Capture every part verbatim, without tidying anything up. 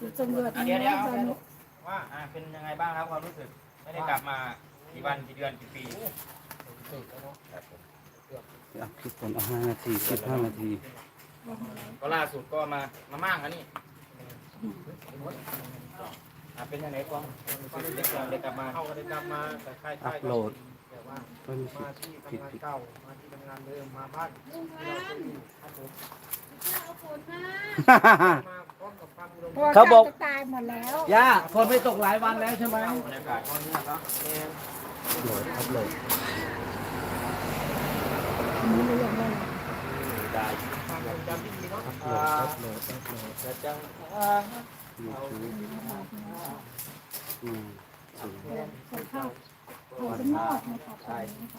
จุดสำรวจอ่ะเดี๋ยวเดี๋ยวสนุกว่าอ่าเป็นยังไงบ้างครับความรู้สึกไม่ได้กลับมากี่วันกี่เดือนกี่ปีอ่ะคลิปผมเอาห้านาทีคลิปห้านาทีก็ล่าสุดก็มามาม่างอันนี้อ่ะเป็นยังไงความความรู้สึกก่อนได้กลับมาเข้ากันได้กลับมาแต่ค่ายอัค่ายพโหลดแต่ว่าไม่มีมาผิดที่ผิดทำงานผิดเก่ามาที่ทำงานเดิมมาบ้านที่เราเคยอยู่ครับผมมาพร้อมกับความอุดมเพราะว่าเขาบอกจะตายหมดแล้วย่าคนไม่ตกหลายวันแล้วใช่ไหมบรรยากาศก็เงียบแล้วแรงโหลดอัพโหลดนี่เลยอย่างไรได้ความทรงจำที่ดีเนาะอัพโหลดอัพโหลดอัพโหลดจะจังยูทูบอืมศูนย์สภาพโหดมากนะคะตอนนี้นะคะ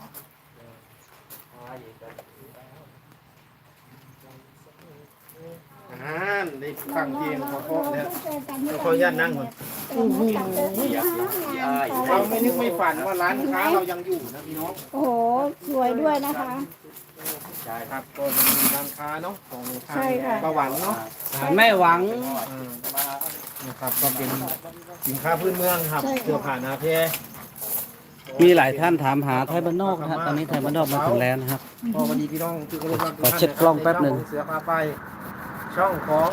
อ่าได้ฟังเพลงเพราะๆแล้วเราขออนุญาตนั่งก่อนโอ้โหเราไม่นึกไม่ฝันว่าร้านค้าเรายังอยู่นะพี่น้องโอ้โหสวยด้วยนะคะใช่ครับก็ยังมีร้านค้าเนาะของทาใช่งค่ะประหวังเนาะแม่หวังอ่านะครับก็เป็นสินค้าพื้นเมืองครับเสื้อผ้าหนาเพมีหลายท่านถามหาไทยบ้านนอกนะฮะตอนนี้ไทยบ้านนอกมาถึงแล้วนะครับพอวันนี้พี่น้องที่เคารพรักทุกขอท่านเช็คกล้องแป๊บหนึ่งเสือพาไปช่องของ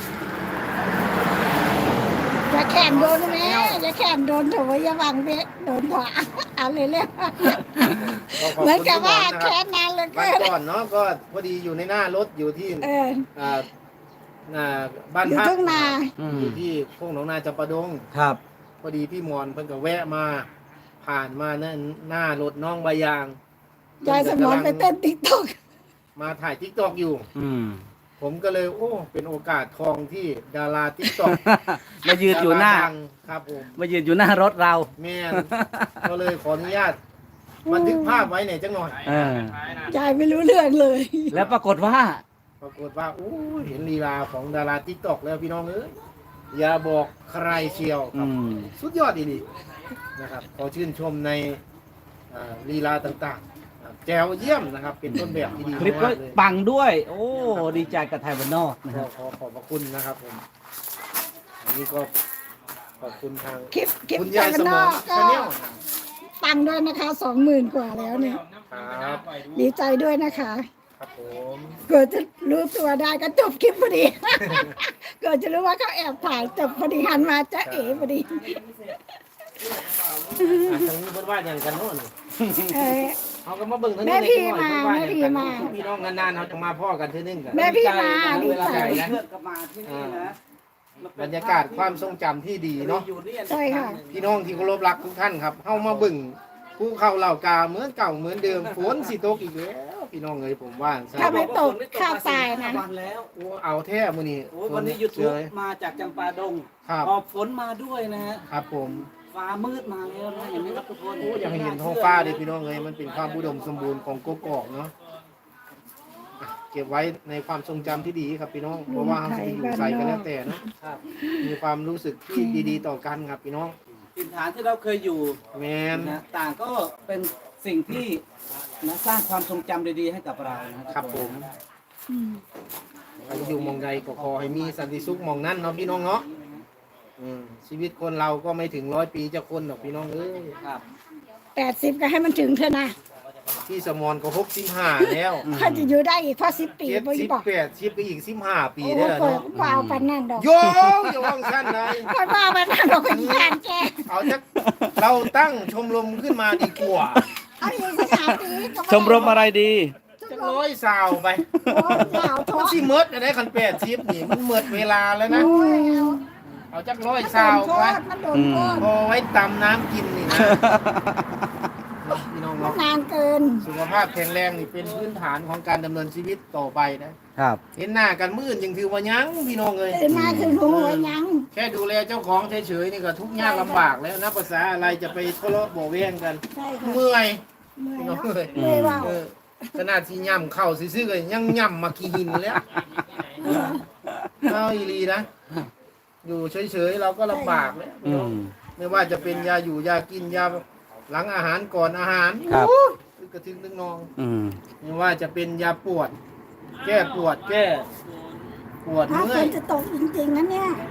อย่าแข่งโดนแม่อย่าแข่งโดนโถอย่าวังเบะโดนขวาอะไรเรียกเหมือนกับว่าแค่นั้นเลยบ้าก็นก่อนเนาะก็พอดีอยู่ในหน้ารถอยู่ที่เอออ่าอ่าบ้านอยู่พักทุ่งนาอืมอยู่ที่โค้งหนองนาจำปาดงครับพอดีพี่มอนเพิ่นก็แวะมาผ่านมาหน้าหน้ารถน้องใบยางยายสมอนไปเต้นติ๊กต็อกมาถ่ายทิกตอกอยู่อืมผมก็เลยโอ้เป็นโอกาสทองที่ดาราทิกตอกมายืนอยู่หน้าครับผมมายืนอยู่หน้ารถเราแม่น ก็เลยขออนุญาตบันทึกภาพไว้หน่อยจังหน่อยเออยายไม่รู้เรื่องเลยแล้วปรากฏว่าปรากฏว่าโอ้เห็นลีลาของดาราทิกตอกแล้วพี่น้องเอ้ยอย่าบอกใครเชียวคอืรับมสุดยอดดีๆนะครับขอชื่นชมในอ่าลีลาต่างๆครับแจวเยี่ยมนะครับ เป็นต้นแบบที่ดีคลิปก็มากเลยปังด้วย โอ้ ดีใจกับไทยบ้านนอกนะคก็รับขอขอบพระคุณนะครับผมอันนี้ก็ขอบคุณทางคลิปคลิปคุณจายายนสมนออง กก็ชาแนลปังด้วยนะคะสองหมื่นกว่าแล้วเนี่ยครับดีใจด้วยนะคะครับผมเกิดจะรู้ตัวได้ก็จบคลิปพอดี เกิดจะรู้ว่าเขาแอบถ่ายจบพอดีหันมาจะเอ๋พอดีอ่ะทางนี้เพิ่นว่าอย่างกันโน่นเออเขาก็มาเบิ่งทางแม่นี้พี่เล็กน้อยมาเพิ่นว่าอย่างกันแม่พี่มาพี่น้องนานๆเขาจะมาพ่อกันเทื่อนึงกันแม่พี่มาดีเวลาใจไหนเพื่อนก็มาที่นี่นะบรรยากาศความทรงจำที่ดีเนาะใช่ค่ะพี่น้องที่เคารพรักทุกท่านครับเข้ามาเบิ่งภูเขาเหล่ากาเหมือนเก่าเหมือนเดิมฝนสิตกอีกแล้วพี่น้องเอ้ยผมว่าซะถ้าไม่ตกข้าวตายนะวันแล้วโอ้เอาแท้มื้อนี้โอ้ยวันนี้ยูทูบเลยมาจากจำปาดงครับหอบฝนมาด้วยนะฮะครับผมฟ้ามืดมาแล้วนะอย่างนี้ครับทุกคนโอ้อยากให้เห็นท้องฟ้าดิพี่น้องเอ้ยมันเป็นความอุดมสมบูรณ์ของกกอกเนาะอ่ะเก็บไว้ในความทรงจำที่ดีครับพี่น้องเพราะว่าเราจะอยู่ใส่กันแล้วแต่เนาะครับมีความรู้สึกที่ดีๆต่อกันครับพี่น้องถิ่นฐานที่เราเคยอยู่แมนนะต่างก็เป็นสิ่งที่นะสร้างความทรงจำดีๆให้กับเรานะครับผมอืมใครอยู่หมองใดก็ขอให้มีสันติสุขหมองนั้นเนาะพี่น้องเนาะอืมชีวิตคนเราก็ไม่ถึงร้อยปีจะคนหรอกพี่น้องเอ้ยครับแปดสิบก็ให้มันถึงเถอะนะพี่สมรก็หกสิบห้าแล้วเขาจะอยู่ได้อีกพอสิบปีเจ็ดบ่สิบบอกแปดสิบก็อีกสิบห้าปีโอ้ได้โหแล้วเปิดเนาะกว่าเอาปันนั่นดอกโยอย่าว่างสั้นเลยค่อยว่าไปนั่นดอกเป็นแฟนแกเอาจักเราตั้งชมรมขึ้นมาดีกว่าเอาอีกสักสามปีก็ชมรมอะไรดีจักร้อยสาวไปโอ้ยสาวท้อมันงสิเมิดอะไรคันแปดสิบนี่มันเมิดเวลาแล้วนะโอ้ยเอาเอาจักร้อยมันโดสาวนโคไปตรมันโดนโคตรพอไว้ตำน้ำกินนี่นะพี่น้องมันเนาะนานเกินสุขภาพแข็งแรงนี่เป็นพื้นฐานของการดำเนินชีวิตต่อไปนะครับ เห็นหน้ากันมื่นยังถือว่ายังพี่น้องเลยตื่นมาคือหัวยังแค่ดูแลเจ้าของเฉยๆนี่ก็ทุกข์ยากลำบากแล้วนับภาษาอะไรจะไปทะเลาะเบ่แว้งกันใช่ค่ะเมื่อยเมื่อยพี่น้องเนาะเลยเมื่อยว่าเออขนาดที่ย่ำเข้าซื่อๆก็ยังย่ำมาขี้หินแล้วเอาอีหลีนะอยู่เฉยๆเราก็ลำบากแล้วอืมไม่ว่าจะเป็นยาอยู่ยากินยาหลังอาหารก่อนอาหารครับโอ้ยกระทึกนึกนองอืมไม่ว่าจะเป็นยาปวด แก้ปวดแก้ปวดถ้าเมื่ฝอยนจะตกจริงๆนะเนี่ย